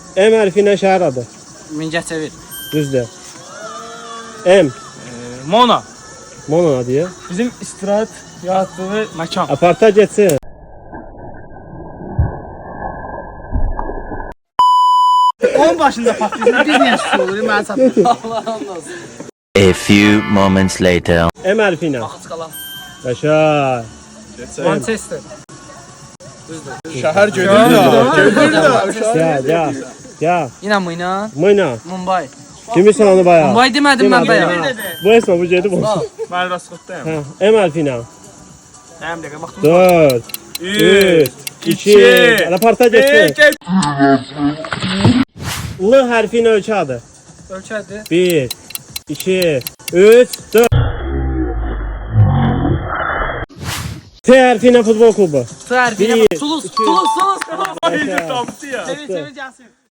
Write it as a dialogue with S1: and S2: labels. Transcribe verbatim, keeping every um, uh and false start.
S1: M hərfinə şəhər adı.
S2: Mingəçevir.
S1: Düzdür. M.
S3: Mona.
S1: Mona adı ya.
S3: Bizim istirahat yarattığı məkan.
S1: Aparta geçsin.
S3: Onun başında patlayacaq. Bir niyə su olur? Mən satmışım.
S2: Allah'ım olsun.
S4: A few moments later.
S1: M hərfinə.
S2: Axçqalan.
S1: Yaşa.
S2: Manchester.
S5: Şəhər gedir də. Gedir də.
S1: Ya ya. Ya.
S2: Yine Mıyna.
S1: Mıyna.
S2: Mumbai.
S1: Kimisən onu bayağı?
S2: Mumbai demedim ben bayağı.
S1: Bu esma bu gedib olsun.
S3: Mən rasxotdayım.
S1: Hə. M hərfinə.
S3: Həm dəqiqə baxdım.
S1: dörd. üç. iki. Aparta geçsin. L hərfinə ölkə adı.
S2: Ölçədi.
S1: bir. iki. üç. dörd. T hərfinə futbol klubu.
S2: Tər.
S1: Bir,
S2: Tulus.
S1: iki.
S2: Tulus. Tulus.
S1: Yaşa.
S3: Tapdı ya.
S2: Çevir çevir gelsin.